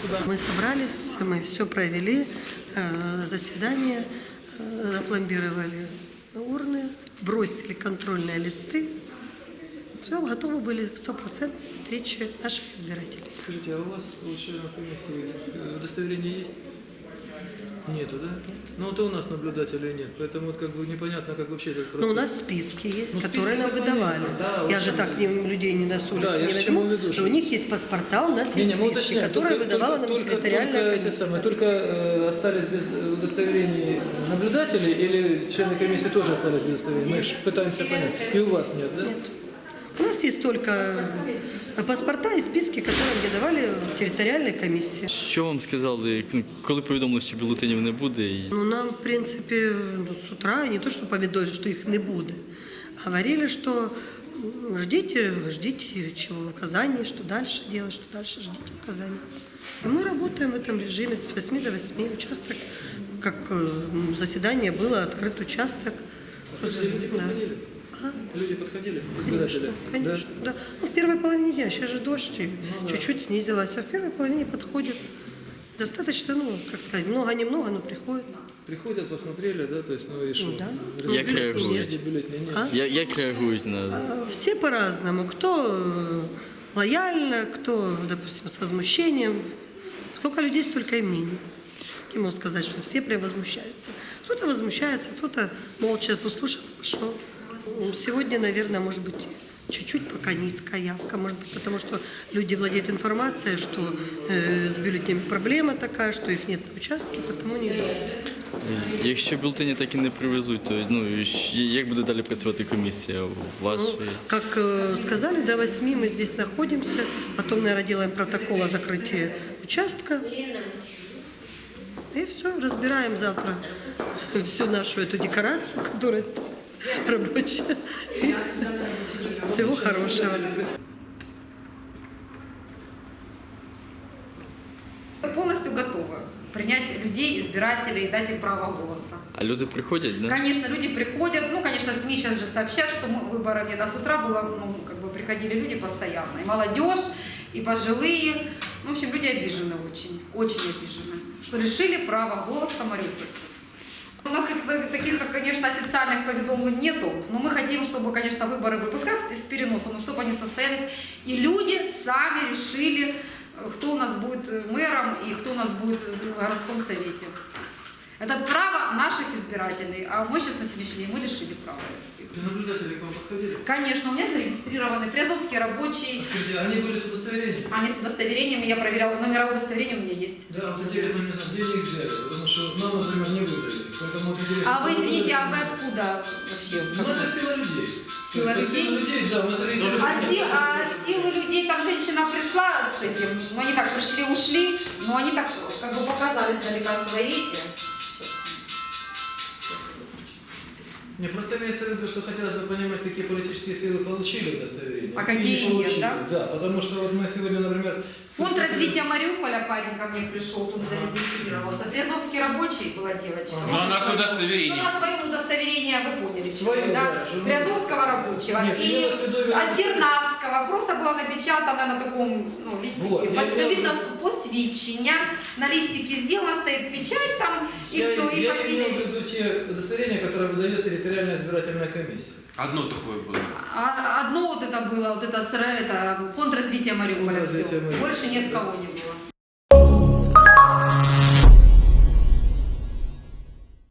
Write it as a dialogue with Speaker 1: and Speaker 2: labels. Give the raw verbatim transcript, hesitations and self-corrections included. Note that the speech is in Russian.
Speaker 1: сюда.
Speaker 2: Мы собрались, мы все провели, э, заседание, э, запломбировали урны, бросили контрольные листы. Все, готовы были к стопроцентной встрече наших избирателей.
Speaker 1: Скажите, а у вас у членов комиссии э, удостоверение есть? Нету, да? Нет. Ну вот и у нас наблюдателей нет, поэтому вот как бы непонятно, как вообще этот процесс.
Speaker 2: Но у нас списки есть,
Speaker 1: Ну,
Speaker 2: которые
Speaker 1: списки
Speaker 2: нам выдавали.
Speaker 1: да,
Speaker 2: Я
Speaker 1: вот
Speaker 2: же
Speaker 1: это-
Speaker 2: так не, людей не на с улицы
Speaker 1: Да, я
Speaker 2: не
Speaker 1: к чему
Speaker 2: возьму.
Speaker 1: веду, что-
Speaker 2: Но у них есть паспорта, у нас
Speaker 1: Не,
Speaker 2: есть
Speaker 1: не, мы
Speaker 2: списки,
Speaker 1: уточняем,
Speaker 2: которые
Speaker 1: только-
Speaker 2: выдавала
Speaker 1: только-
Speaker 2: нам
Speaker 1: только-
Speaker 2: территориальная
Speaker 1: только, эти
Speaker 2: комиссия.
Speaker 1: самые, только э, остались без удостоверений наблюдателей или члены комиссии тоже остались без удостоверений? Мы же пытаемся понять. И у вас нет, да?
Speaker 2: Нет. У нас есть только паспорта і списки, які нам давали в територіальній комісії.
Speaker 3: Що вам сказали, коли повідомили, що бюлетенів не буде? І...
Speaker 2: Ну, нам, в принципе, ну, с утра, не то, что повідомили, что их не будет, говорили, что ну, ждите, ждите чего, указаний, что дальше делать, что дальше ждите указаний. И мы работаем в этом режиме с восьми до восьми. Участок, как э, заседание было, открыт участок.
Speaker 1: Люди
Speaker 2: Да.
Speaker 1: подходили?
Speaker 2: А?
Speaker 1: Люди подходили?
Speaker 2: Конечно,
Speaker 1: Избиратели?
Speaker 2: конечно, да. Ну, в первой половине дня, сейчас же дождь, и
Speaker 1: да.
Speaker 2: чуть-чуть снизилась, а в первой половине подходит. Достаточно, ну, как сказать, много-немного, но приходит.
Speaker 1: Приходят, посмотрели, да, то есть, ну и что?
Speaker 2: да.
Speaker 3: Як реагують?
Speaker 1: Бюллетеней нет.
Speaker 2: А?
Speaker 3: Я- Як реагують на...
Speaker 2: А, Все по-разному. Кто э, лояльно, кто, допустим, с возмущением. Сколько людей, столько и мнений. Не могу сказать, что все прям возмущаются. Кто-то возмущается, кто-то молча послушал, пошел. Сегодня, наверное, может быть, чуть-чуть пока низкая явка, может быть, потому что люди владеют информацией, что э, с бюллетенями проблема такая, что их нет на участке, потому не идут.
Speaker 3: Якщо бюлетені так і не привезуть, то ну, і щ- як буде далі працювати комісія ваша?
Speaker 2: Ну, как э, сказали, до восьми мы здесь находимся, потом, наверное, делаем протокол о закрытии участка. И все, разбираем завтра всю нашу эту декорацию, которая стоит рабочая. И всего хорошего.
Speaker 4: Полностью готовы принять людей, избирателей и дать им право голоса.
Speaker 3: А люди приходять, да?
Speaker 4: Конечно, люди приходят, ну, конечно, СМИ сейчас же сообщат, что мы, выборов нет, а с утра было, ну, как бы приходили люди постоянно, и молодежь, и пожилые, ну, в общем, люди обижены очень, очень обижены, что лишили права голоса мариупольцев. У нас как таких, как, конечно, официальных поведомлений нету, но мы хотим, чтобы, конечно, выборы были, пускай с переносом, но чтобы они состоялись, и люди сами решили, кто у нас будет мэром и кто у нас будет в городском совете. Это право наших избирателей, а мы сейчас на сегодняшний день мы лишили права.
Speaker 1: Наблюдатели к вам подходили?
Speaker 4: Конечно, у меня зарегистрированы Приазовские рабочие,
Speaker 1: Скажите, они были с удостоверением?
Speaker 4: они с удостоверением, я проверяла, номера удостоверения у меня есть.
Speaker 1: Да, вот интересно мне знать, где они их взяли, потому что нам, например, не выдали. Поэтому вот интересно,
Speaker 4: А вы,
Speaker 1: кто
Speaker 4: извините, а
Speaker 1: выдали.
Speaker 4: вы откуда вообще?
Speaker 1: Ну, это сила людей.
Speaker 4: Сила
Speaker 1: Это
Speaker 4: людей?
Speaker 1: Сила людей, да, мы зарегистрировали.
Speaker 4: А, си- а силы людей, там женщина пришла с этим, ну они так пришли, ушли, но они так как бы показали издалека свои эти.
Speaker 1: Не, просто имеется в виду, что хотелось бы понимать, какие политические силы получили удостоверение.
Speaker 4: А какие
Speaker 1: не
Speaker 4: нет,
Speaker 1: получили.
Speaker 4: да?
Speaker 1: Да, потому что вот мы сегодня, например...
Speaker 4: Фонд развития Мариуполя парень ко мне пришел, тут зарегистрировался. Приазовский рабочий была девочка.
Speaker 5: Но она с удостоверением.
Speaker 4: Ну, на своем удостоверении, вы поняли,
Speaker 1: Свое,
Speaker 4: чего, да?
Speaker 1: да, что-
Speaker 4: Приазовского рабочего.
Speaker 1: Нет,
Speaker 4: и
Speaker 1: имела в виду именно-
Speaker 4: от Тернавского. Просто было напечатано на таком ну, листике.
Speaker 1: Вот, я
Speaker 4: Пос-
Speaker 1: имел в
Speaker 4: Написано
Speaker 1: виду-
Speaker 4: посвідчення. На листике сделано, стоит печать там, и
Speaker 1: я,
Speaker 4: все, и
Speaker 1: я
Speaker 4: фамилия.
Speaker 1: имел в виду те удостоверения, которые выдает территориальная избирательная комиссия.
Speaker 5: Одно такое было.
Speaker 4: А одно вот это было, вот это, с- это фонд развития Мариуполя.
Speaker 1: Фонд развития
Speaker 4: всё.
Speaker 1: Мариуполя.
Speaker 4: Больше ни от кого не было.